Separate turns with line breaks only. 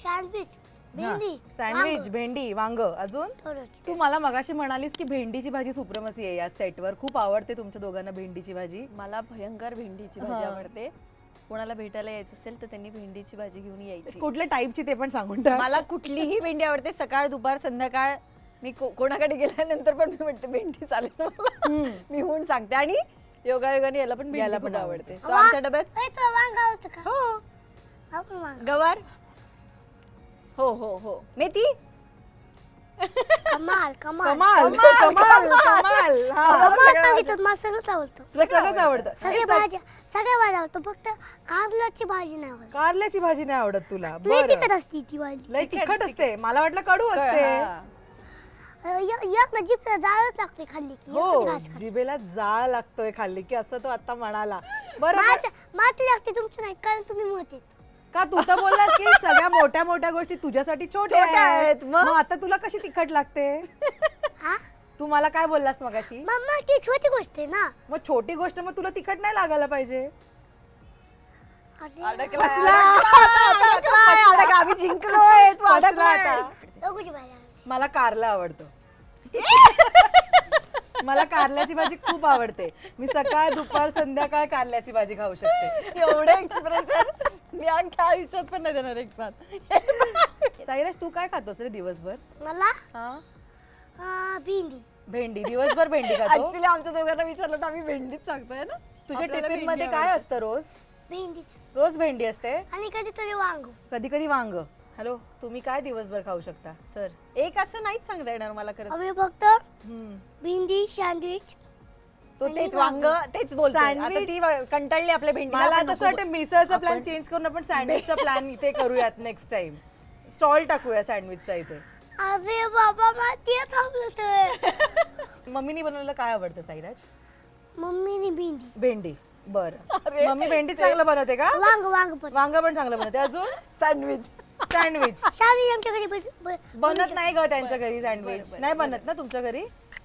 Sandwich भेंडी
sandwich, भेंडी, वांग, अजून तू मला मगाशी म्हणालीस की भेंडीची भाजी सुप्रमसी आहे या सेटवर. खूप आवडते तुमच्या दोघांना भेंडीची भाजी.
मला भयंकर भेंडीची भाजी आवडते. कोणाला भेटायला यायचं असेल तर त्यांनी भेंडीची भाजी घेऊन यायची.
कुठल्या टाईपची ते पण सांगून टाक.
मला कुठलीही भेंडी आवडते. सकाळ दुपार संध्याकाळ मी कोणाकडे गेल्यानंतर पण मी म्हणते भेंडी चालेल मला. मी होऊन सांगते. आणि योगायोगाने याला पण भेंडी खूप आवडते. So आमच्या डब्यात
वांग आवडतं का?
हो
आपण वांग
गवार, हो हो हो, मेथी,
कमाल कमाल
कमाल कमाल कमाल. हा.
कमाल सांगितलं मला सगळंच आवडतं.
तुला सगळंच आवडतं.
सगळ्या भाज्या आवडतं. फक्त कारल्याची भाजी नाही आवडत.
कारल्याची भाजी नाही आवडत तुला?
लय
बरं.
तिखट असते ती भाजी.
लय तिखट असते. मला वाटलं कडू असते.
हा.
एक ना जीभ जाळच लागते खाल्ली की.
हो,
एकच घास खाते.
जिभेला जाळ लागतोय खाल्ली की, असं तो आता म्हणाला. बरं
माती लागते तुमचं नाही कारण तुम्ही मोठे.
का तू तर बोललास की सगळ्या मोठ्या मोठ्या गोष्टी तुझ्यासाठी छोट्या
छोट्या आहेत.
आहेत.
मग?
मग आता तुला कशी तिखट लागते?
हा
तू मला काय बोललास मगाशी?
मम्मा ती छोटी गोष्ट आहे ना.
मग छोटी गोष्ट मग तुला तिखट नाही लागायला पाहिजे.
अरे,
अडकला, आम्ही जिंकलोय. तू
पचला
अडकलाय.
आता.
दोघीची भाजी आवडते.
मला कारला आवडतं. मला कारल्याची भाजी खूप आवडते. मी सकाळ दुपार संध्याकाळ कारल्याची भाजी खाऊ शकते.
एवढे एक्सप्रेशन मी अख्ख्या आयुष्यात पण नाही देणार एक साथ.
साईराज तू काय खातोस रे दिवसभर?
मला
हा,
भेंडी.
भेंडी. दिवसभर भेंडी खातो.
ऍक्च्युली आमच्या दोघांना विचारलं तर आम्ही भेंडीच सांगतोय ना.
तुझ्या
आपल्याला
टिफिन मध्ये
भेंडी
काय
आवडते.
असतं रोज?
भेंडीच
रोज भेंडी असते.
आणि कधीतरी वांग.
कधी कधी वांग. हॅलो, तुम्ही काय दिवसभर खाऊ शकता सर?
एक असं नाहीच सांगता येणार मला खरं.
आम्ही फक्त भेंडी सँडविच.
तो तेच वांग तेच बोलतो.
Sandwich.
ती कंटाळली आपल्या भेंडी.
मला तसं वाटतं मिसळचा प्लॅन चेंज करून आपण सँडविचचा प्लॅन इथे करूयात नेक्स्ट टाइम. स्टॉल टाकूया सँडविचचा इथे.
अरे बाबा मला तेच आवडत.
मम्मीनी बनवलेलं काय आवडतं साईराज?
मम्मीने भेंडी.
भेंडी. बरं, मम्मी भेंडी चांगलं बनवते का?
वांग वांग पण.
वांग पण चांगलं बनवते. अजून
सँडविच.
सँडविच
सँडविच आमच्या घरी
बनत नाही ग त्यांच्या घरी. सँडविच नाही बनत ना तुमच्या घरी?